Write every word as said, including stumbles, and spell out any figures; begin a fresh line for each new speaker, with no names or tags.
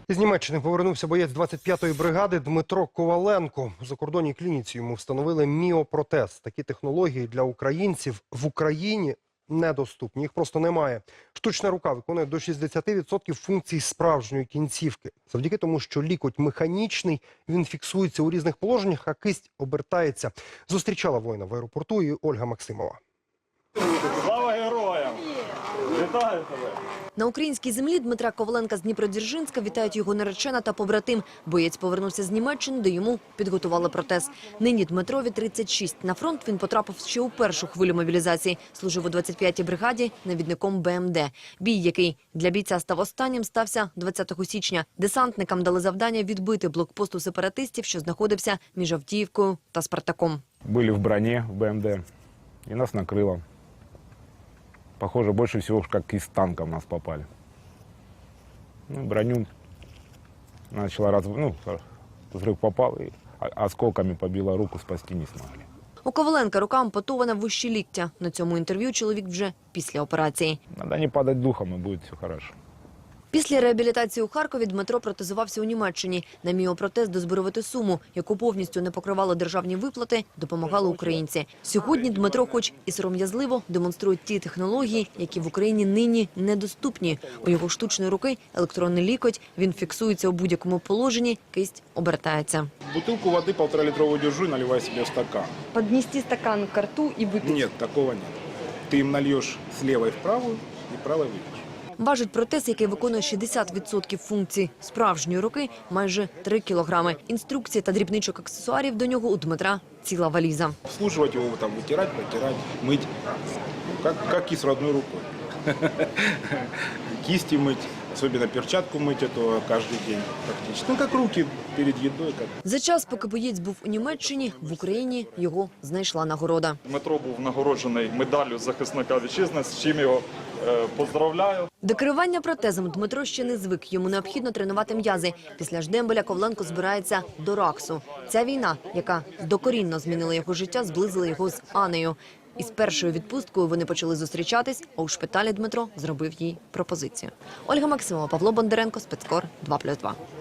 З Німеччини повернувся боєць двадцять п'ятої бригади Дмитро Коваленко. У закордонній клініці йому встановили міопротез. Такі технології для українців в Україні недоступні. Їх просто немає. Штучна рука виконує до шістдесяти відсотків функцій справжньої кінцівки. Завдяки тому, що лікоть механічний, він фіксується у різних положеннях, а кисть обертається. Зустрічала воїна в аеропорту і Ольга Максимова.
Слава героям! Вітаю тебе!
На українській землі Дмитра Коваленка з Дніпродзержинська вітають його наречена та побратим. Боєць повернувся з Німеччини, де йому підготували протез. Нині Дмитрові тридцять шість. На фронт він потрапив ще у першу хвилю мобілізації. Служив у двадцять п'ятій бригаді навідником Бе Ем Де. Бій, який для бійця став останнім, стався двадцятого січня. Десантникам дали завдання відбити блокпост у сепаратистів, що знаходився між Авдіївкою та Спартаком.
Були в броні в Бе Ем Де, і нас накрило. Похоже, больше всего, как из танка в нас попали. Ну, броню начала раз... Ну, взрыв попал, и осколками побила руку, спасти не смогли.
У Коваленка рука ампутована вище ліктя. На цьому інтерв'ю чоловік вже після операції.
Надо не падать духом, и будет все хорошо.
Після реабілітації у Харкові Дмитро протезувався у Німеччині. На міопротез дозбирувати суму, яку повністю не покривали державні виплати, допомагали українці. Сьогодні Дмитро, хоч і сором'язливо, демонструє ті технології, які в Україні нині недоступні. У його штучної руки електронний лікоть, він фіксується у будь-якому положенні, кисть обертається.
Бутылку воды полторалитровую держу и наливай себе в стакан.
Поднести стакан к рту и выпить?
Нет, такого нет. Ты им нальешь с левой в правую и правой выпьешь.
Важить протез, який виконує шістдесят відсотків функцій справжньої руки, майже три кілограми. Інструкції та дрібничок аксесуарів до нього у Дмитра ціла валіза.
Обслуживать его, там, вытирать, протирать, мыть, ну, как, как и с родной рукой. Кисти мыть, особенно перчатку мыть эту каждый день практически. Ну, как руки перед едой. Как...
За час, поки боєць був у Німеччині, в Україні його знайшла нагорода.
Дмитро був нагороджений медаллю захисника вітчизни, з чим його е, поздравляю.
До керування протезом Дмитро ще не звик. Йому необхідно тренувати м'язи. Після Ждембеля Коваленко збирається до Раксу. Ця війна, яка докорінно змінила його життя, зблизила його з Анею. Із першою відпусткою вони почали зустрічатись, а у шпиталі Дмитро зробив їй пропозицію. Ольга Максимова, Павло Бондаренко, Спецкор, два плюс два.